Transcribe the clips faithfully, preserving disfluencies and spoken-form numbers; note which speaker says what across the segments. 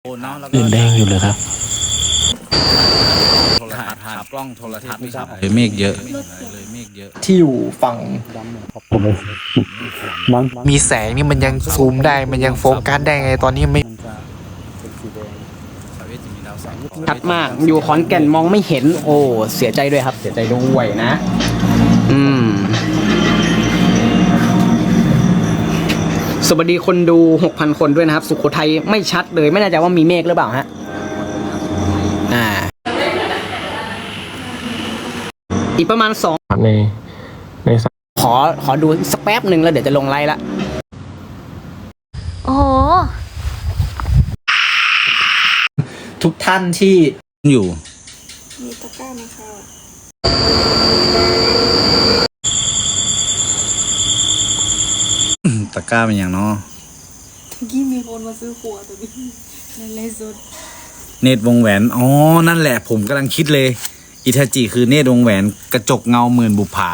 Speaker 1: เดินแดงอยู่เลยครับ
Speaker 2: ถ่ายผ่านกล้องโทรทัศน์ครับเลยเมฆเยอะเลยเมฆเยอะ
Speaker 3: ที่อยู่ฝั่ง
Speaker 1: มีแสงนี่มันยังซูมได้มันยังโฟกัสได้ไงตอนนี้ไม่
Speaker 3: ชัดมากอยู่ขอนแก่นมองไม่เห็นโอ้เสียใจด้วยครับเสียใจด้วยนะอืมสวัสดีคนดู หกพัน คนด้วยนะครับสุโขทัยไม่ชัดเลยไม่แน่ใจว่ามีเมฆหรือเปล่าฮะอ่าอีกประมาณสอง
Speaker 4: ในใน
Speaker 3: ขอขอดูสักแป๊บหนึ่งแล้วเดี๋ยวจะลงไลน์ละ
Speaker 5: โอ้โห
Speaker 3: ทุกท่านที่
Speaker 2: อยู่
Speaker 5: มีตะกร้าไหมคะ
Speaker 2: ตะกร้าเป็นอย่างเนาะ
Speaker 5: เมื่อกี้มีคนมาซื้อขวดตัวนี้ในไลฟ์สด
Speaker 2: เนตรวงแหวนอ๋อนั่นแหละผมกำลังคิดเลยอิทาจิคือเนตรวงแหวนกระจกเงาหมื่นบุปผา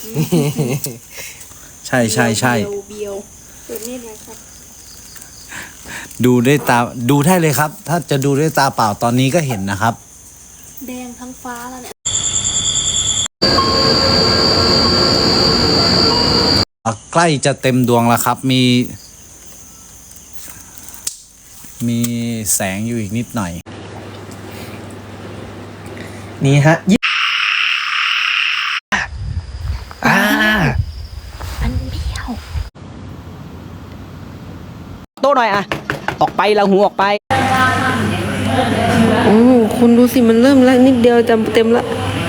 Speaker 2: ใช่ใช่ใช่
Speaker 5: เบียวเปิดเนตรไหมครับ
Speaker 2: ดูด้วยตาดูได้เลยครับถ้าจะดูด้วยตาเปล่าตอนนี้ก็เห็นนะครับ
Speaker 5: แดงทั้งฟ้าแล้วเนี่ย
Speaker 2: ใกล้จะเต็มดวงแล้วครับมีมีแสงอยู่อีกนิดหน่อย
Speaker 3: นี่ฮะอ่า
Speaker 5: มันเบี้ยว
Speaker 3: โต้หน่อยอะออกไปเราหูออกไป
Speaker 6: โอ้คุณดูสิมันเริ่มแล้วนิดเดียวจะเต็มละ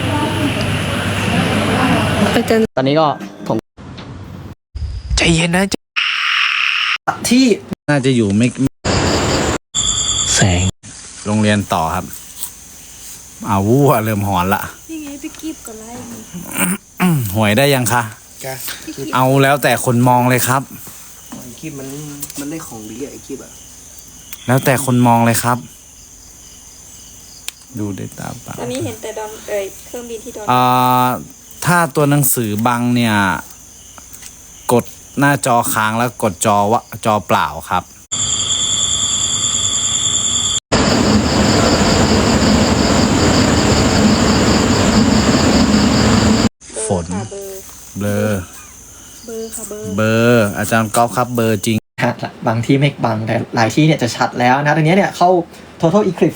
Speaker 6: อาจารย์
Speaker 3: ตอนนี้ก็ผม
Speaker 1: ใจเย็นนะ
Speaker 3: ที่
Speaker 2: น่าจะอยู่ไม่
Speaker 1: แสง
Speaker 2: โรงเรียนต่อครับอาวู้เริ่มหอนละ
Speaker 5: นี่ไงพี่กีบก็ไล่
Speaker 2: หวยได้ยังคะเอาแล้วแต่คนมองเลยครับ
Speaker 3: ไอ้กีบมันมันได้ของดีไอ้กีบอะ
Speaker 2: แล้วแต่คนมองเลยครับดูด้วยตาเปล่า
Speaker 5: ตอนนี้เห็นแต่ดอนเอ่ยเครื่องบินที่ดอน
Speaker 2: อ่าถ้าตัวหนังสือบังเนี่ยกดหน้าจอค้างแล้วกดจอวะจอเปล่าครับฝนเบลอ
Speaker 5: เบอร์ค่ะเบอร์
Speaker 2: เบอร์อาจารย์ก๊อฟครับเบอร์จริง
Speaker 3: ชัดละบางที่ไม่บังแต่หลายที่เนี่ยจะชัดแล้วนะตอนนี้เนี่ยเข้า total eclipse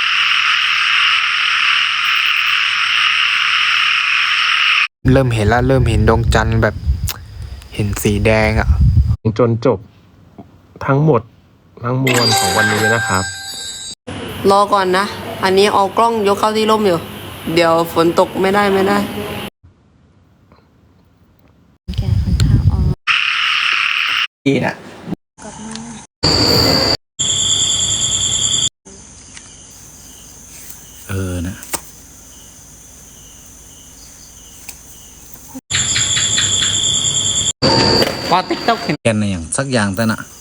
Speaker 1: เริ่มเห็นแล้วเริ่มเห็นดวงจันทร์แบบเห็นสีแดงอ่ะ
Speaker 4: จนจบทั้งหมดทั้งมวลของวันนี้นะครับ
Speaker 6: รอก่อนนะอันนี้เอากล้องยกเข้าที่ร่มอยู่เดี๋ยวฝนตกไม่ได้ไม่ได้
Speaker 5: แกค่อนข้างอ่อน
Speaker 3: ดีนะ
Speaker 2: เออนะ
Speaker 3: พอติ๊กต็อกเห็น
Speaker 2: แกนอะไรอย่างสักอย่างแต่น่ะ